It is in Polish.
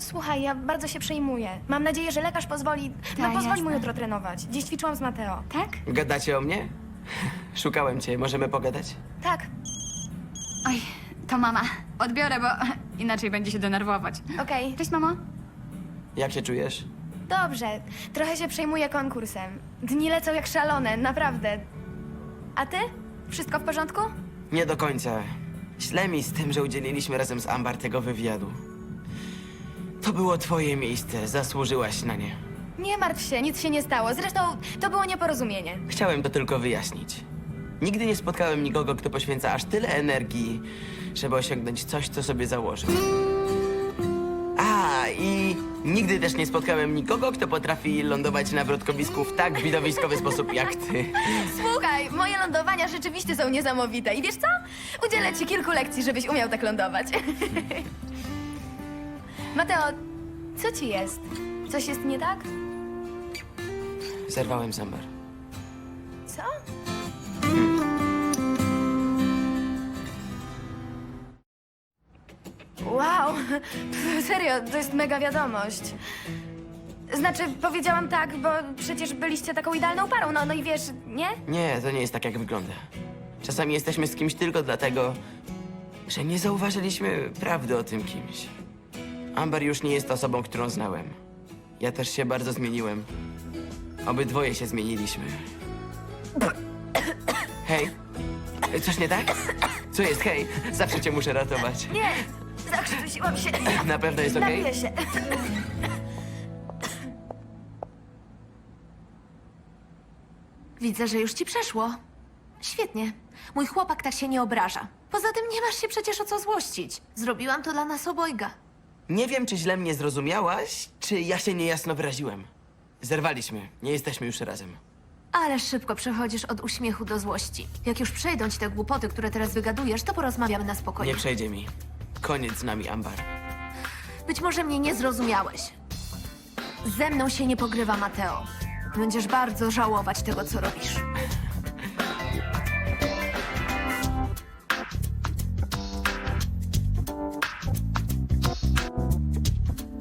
Słuchaj, ja bardzo się przejmuję. Mam nadzieję, że lekarz pozwoli... pozwoli jasne. mu jutro trenować. Dziś ćwiczyłam z Mateo. Tak? Gadacie o mnie? Szukałem cię, możemy pogadać? Tak, Oj, to mama. Odbiorę, bo inaczej będzie się denerwować. okej. Cześć, mamo. Jak się czujesz? Dobrze. Trochę się przejmuję konkursem. Dni lecą jak szalone, naprawdę. A ty? Wszystko w porządku? Nie do końca. Źle mi z tym, że udzieliliśmy razem z Ambar tego wywiadu. To było twoje miejsce, zasłużyłaś na nie. Nie martw się, nic się nie stało. Zresztą to było nieporozumienie. Chciałem to tylko wyjaśnić. Nigdy nie spotkałem nikogo, kto poświęca aż tyle energii, żeby osiągnąć coś, co sobie założył. A, i nigdy też nie spotkałem nikogo, kto potrafi lądować na wrotkowisku w tak widowiskowy sposób jak ty. Słuchaj, moje lądowania rzeczywiście są niesamowite. I wiesz co? Udzielę ci kilku lekcji, żebyś umiał tak lądować. Mateo, co ci jest? Coś jest nie tak? Zerwałem z Ambar. Co? Wow, serio, to jest mega wiadomość. Znaczy, powiedziałam tak, bo przecież byliście taką idealną parą, no i wiesz, nie? Nie, to nie jest tak, jak wygląda. Czasami jesteśmy z kimś tylko dlatego, że nie zauważyliśmy prawdy o tym kimś. Amber już nie jest osobą, którą znałem. Ja też się bardzo zmieniłem. Obydwoje się zmieniliśmy. Hej, coś nie tak? Co jest, hej? Zawsze cię muszę ratować. Nie, zakrztusiłam się. Na pewno jest okej? Napiję się. Widzę, że już ci przeszło. Świetnie. Mój chłopak tak się nie obraża. Poza tym nie masz się przecież o co złościć. Zrobiłam to dla nas obojga. Nie wiem, czy źle mnie zrozumiałaś, czy ja się niejasno wyraziłem. Zerwaliśmy, nie jesteśmy już razem. Ale szybko przechodzisz od uśmiechu do złości. Jak już przejdą ci te głupoty, które teraz wygadujesz, to porozmawiamy na spokojnie. Nie przejdzie mi. Koniec z nami, Ambar. Być może mnie nie zrozumiałeś. Ze mną się nie pogrywa, Mateo. Będziesz bardzo żałować tego, co robisz.